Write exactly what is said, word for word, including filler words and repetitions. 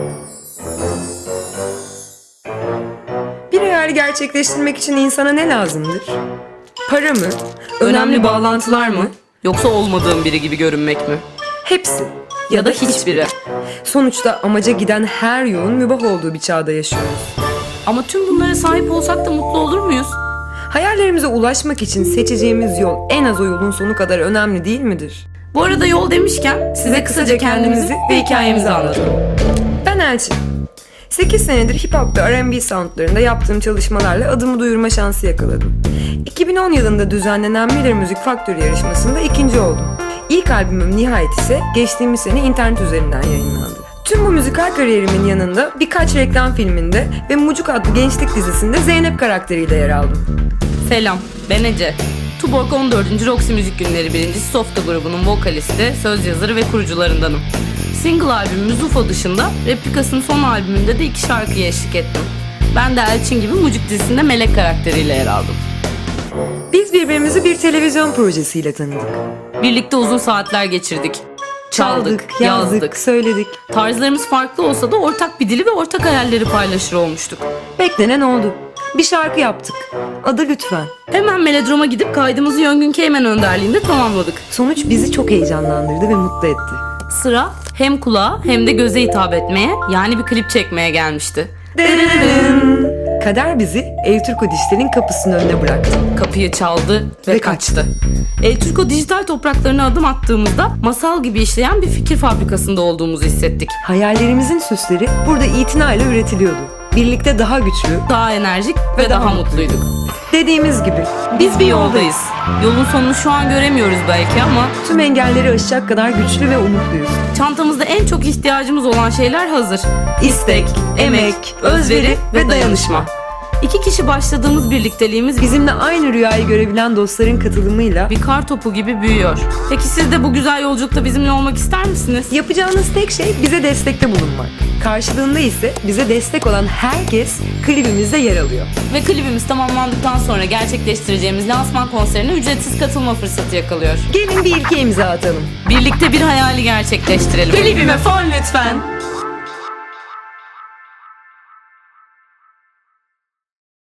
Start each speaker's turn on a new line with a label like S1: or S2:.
S1: Bir hayali gerçekleştirmek için insana ne lazımdır? Para mı?
S2: Önemli bağlantılar mı? Yoksa olmadığım biri gibi görünmek mi?
S1: Hepsi.
S2: Ya da hiçbiri.
S1: Sonuçta amaca giden her yolun mübah olduğu bir çağda yaşıyoruz.
S2: Ama tüm bunlara sahip olsak da mutlu olur muyuz?
S1: Hayallerimize ulaşmak için seçeceğimiz yol en az o yolun sonu kadar önemli değil midir?
S2: Bu arada yol demişken size kısaca kendimizi ve hikayemizi anlatalım.
S1: Ben Elçin. sekiz senedir hip hop ve R and B soundlarında yaptığım çalışmalarla adımı duyurma şansı yakaladım. iki bin on yılında düzenlenen Miller Müzik Faktörü yarışmasında ikinci oldum. İlk albümüm Nihayet ise geçtiğimiz sene internet üzerinden yayınlandı. Tüm bu müzikal kariyerimin yanında birkaç reklam filminde ve Mucuk adlı gençlik dizisinde Zeynep karakteriyle yer aldım.
S2: Selam, ben Ece. Tuborg on dördüncü Roxy Müzik Günleri birincisi Softa grubunun vokalisti, söz yazarı ve kurucularındanım. Single albümümüz U F O dışında Replikas'ın son albümünde de iki şarkıya eşlik ettim. Ben de Elçin gibi Mucuk dizisinde Melek karakteriyle yer aldım.
S1: Biz birbirimizi bir televizyon projesiyle tanıdık.
S2: Birlikte uzun saatler geçirdik. Çaldık,
S1: yazdık,
S2: yazdık.
S1: söyledik.
S2: Tarzlarımız farklı olsa da ortak bir dili ve ortak hayalleri paylaşır olmuştuk.
S1: Beklenen oldu. Bir şarkı yaptık. Adı Lütfen.
S2: Hemen Melodrom'a gidip kaydımızı Yöngün Keymen önderliğinde tamamladık.
S1: Sonuç bizi çok heyecanlandırdı ve mutlu etti.
S2: Sıra hem kulağa hem de göze hitap etmeye, yani bir klip çekmeye gelmişti.
S1: Dırırırın. Kader bizi El Turco Dijital'in kapısının önüne bıraktı.
S2: Kapıyı çaldı ve,
S1: Ve
S2: kaçtı. El Turco dijital topraklarına adım attığımızda masal gibi işleyen bir fikir fabrikasında olduğumuzu hissettik.
S1: Hayallerimizin süsleri burada itinayla üretiliyordu. Birlikte daha güçlü
S2: Daha enerjik ve,
S1: Ve
S2: daha,
S1: daha
S2: mutluyduk.
S1: dediğimiz gibi
S2: Biz bir yoldayız. Yolun sonunu şu an göremiyoruz belki ama
S1: tüm engelleri aşacak kadar güçlü ve umutluyuz.
S2: çantamızda en çok ihtiyacımız olan şeyler hazır.
S1: İstek, emek, özveri ve dayanışma.
S2: İki kişi başladığımız birlikteliğimiz
S1: Bizimle aynı rüyayı görebilen dostların katılımıyla
S2: bir kar topu gibi büyüyor. Peki siz de bu güzel yolculukta bizimle olmak ister misiniz?
S1: yapacağınız tek şey bize destekte bulunmak. Karşılığında ise bize destek olan herkes klibimizde yer alıyor.
S2: Ve klibimiz tamamlandıktan sonra gerçekleştireceğimiz lansman konserine ücretsiz katılma fırsatı yakalıyor.
S1: Gelin bir ilke imza atalım.
S2: Birlikte bir hayali gerçekleştirelim.
S1: Klibime fon lütfen.